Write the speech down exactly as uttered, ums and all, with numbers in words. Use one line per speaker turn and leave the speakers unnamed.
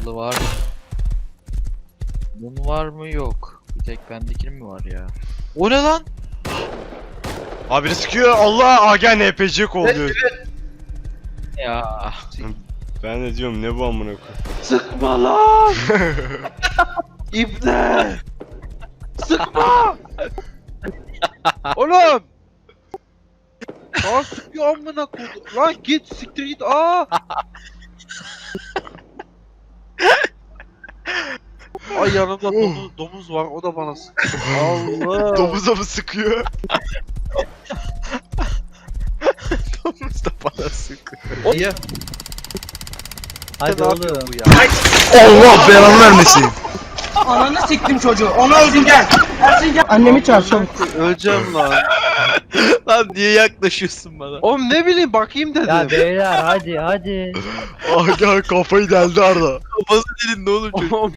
Kapalı var. Bunun var mı? Yok. Bir tek bendekinin mi var ya? O ne lan?
Abi biri sıkıyor. Allah Aga N P C kovalıyor.
Ya.
Ben de diyorum ne bu amına koyayım.
Sıkma lan! İbne! Sıkma! Oğlum! Lan sıkıyor amına koydu. Lan git siktir git. Aa! Ay yanımda domuz, domuz var, o da bana sıkıyor. Allah!
Domuza mı sıkıyor?
Domuz da bana sıkıyor.
Ya,
Hadi
ne
oğlum.
yapıyor bu ya?
Allah belanı vermesin.
Ananı siktim çocuğu. Onu öldün gel. Ersin gel. Annemi çağır çabuk.
Öleceğim lan.
Lan niye yaklaşıyorsun bana?
Oğlum ne bileyim bakayım dedim.
Ya beyler hadi hadi.
Aga kafayı deldi Arda.
Kafası dedin ne olur çocuk.
Oğlum